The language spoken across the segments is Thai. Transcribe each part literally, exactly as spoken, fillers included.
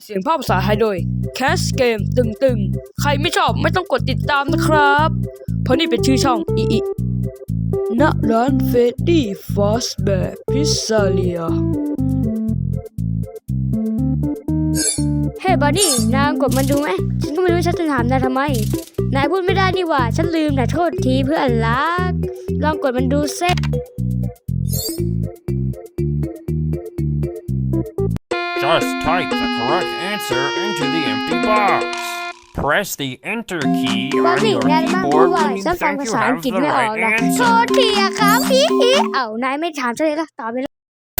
เสียงภาคภาษาไทยโดย Cast Game ตึงๆใครไม่ชอบไม่ต้องกดติดตามนะครับเพราะนี่เป็นชื่อช่องอีอีณร้านเฟดดี้ฟอสแบร์พิซซ่าเลียเฮ้บอดี้นายกดมันดูไหมฉันก็ไม่รู้ฉันจะถามนายทำไมนายพูดไม่ได้นี่หว่าฉันลืมนะโทษทีเพื่อนรักลองกดมันดูเซ็ต Just type the correct answer into the empty box. Press the enter key บอ on ดี้ your นายมาพูด keyboard ว่า when you ฉันฟัง think ภา you ษาอัง have กฤษ the ไม่ออก right นะโท answer. ษทีอะครับพี่เอ้านายไม่ถามฉันเลยละตอบไปเลย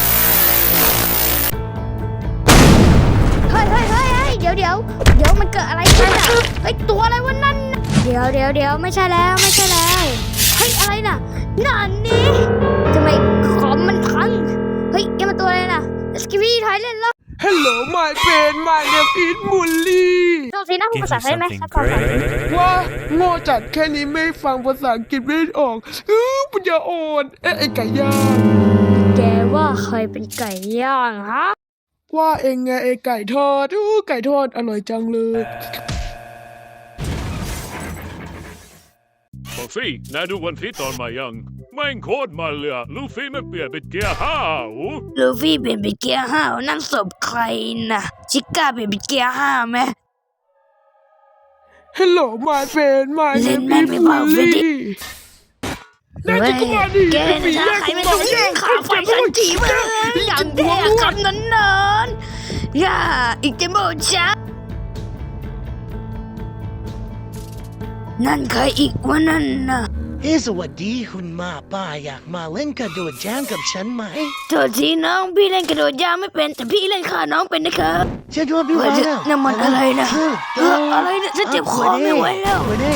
เฮ้ยเฮ้ยเฮ้ยเฮ้ยเดี๋ยวเดี๋ยวเดี๋ยวมันเกิดอะไรขึ้นอะเฮ้ยตัวอะไรวะนั่นน่ะเดี๋ยวเดี๋ยวเดี๋ยวไม่ใช่แล้วไม่ใช่แล้วเฮ้ยอะไรน่ะนั่นนี่ทำไมคอมมันพังเฮ้ยแกมันตัวอะไรน่ะสกิวี่ถอยเล่นแล้ว Hello my friend my name is Mully โทษทีนะพูด Give ภาษา me ไทยไหม something ฉันฟังภาษา great. ว่าโง่จัดแค่นี้ไม่ฟังภาษาอังกฤษไม่ออกอื้อปัญญาอ่อนเอ๊ะไอ้ไก่ย่างแกว่าใครเป็นไก่ย่างฮะว่าเองไงไอ้ไก่ทอดอู้ไก่ทอดอร่อยจังเลยบัฟฟี่นายดูวันพีชตอนมายังแม่งโคตรมันเลยอะลูฟี่ไม่เปลี่ยนเป็นเกียร์ห้าโอ้ลูฟี่เปลี่ยนเป็นเกียร์ห้านั่นศพใครนะชิก้าเปลี่ยนเป็นเกียร์ห้าไหม Hello my friend my เล่น name แม่ง is ไม่เบาเฟรดดี้ Mully น่าจะกว่าดิแกไอ้ปีนะแย่งใครกูไม่บอต้อก งแย่แย่งงข้าไฟฉันจีมึงอย่างแท้คำนั้นนานอย่าอีกจะโมช้านั่นใครอีกวะนั่นน่ะเฮ้สวัสดีคุณมาป้าอยากมาเล่นกระโดดยางกับฉันไหมโทษทีน้องพี่เล่นกระโดดยางไม่เป็นแต่พี่เล่นขาน้องเป็นนะครับฉันว่าพี่เฮ้วาย นะน้ำมันอะไรนะเอออะไรเนี่ยฉันเจ็บคอไม่ไหวแล้วไม่ได้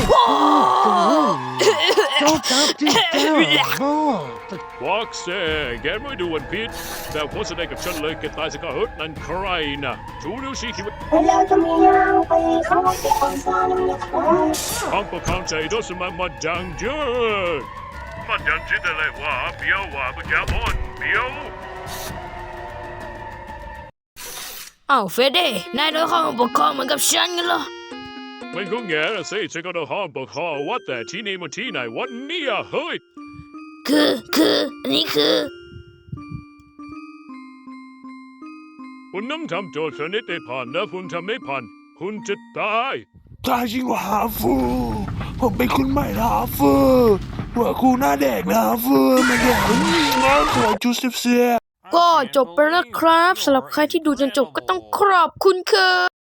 โจ๊กจับจิ๊กเจ้าโม่บ็อกเซ่แกไม่ดูวันพีชแต่โฆษณากับฉันเลยแกตายสิคะเฮ้ยนั่นใครนะชูนิ้วชี้คิดว่า Hello, Camille. Pwede ka mag-sponsor ng mga class. ห้องปกครองใจโดสมามาดังเยอะมาดังจิตอะไรวะเบี้ยววะปะแกบอนเบี้ยวอ้าวเฟเด้นายโดนข้อมูลปกครองเหมือนกับฉันกันเหรอมันก็แง่ละสิฉันก็ต้องห้องปกครองว่าแต่ที่นี่มันที่ไหนวันนี้อะเฮ้ยคือคืออันนี้คือคุณน้ำทำโจทย์คณิตได้ผ่านนะคุณทำไม่ผ่านคุณจะตายตายจริงว่าฮาฟูผมเป็นคุณใหม่นะฮาฟูหัวครูหน้าแดกนะฮาฟูมาแย่งน้องขอจูเสียก็จบไปแล้วครับสำหรับใครที่ดูจนจบก็ต้องขอบคุณค่ะ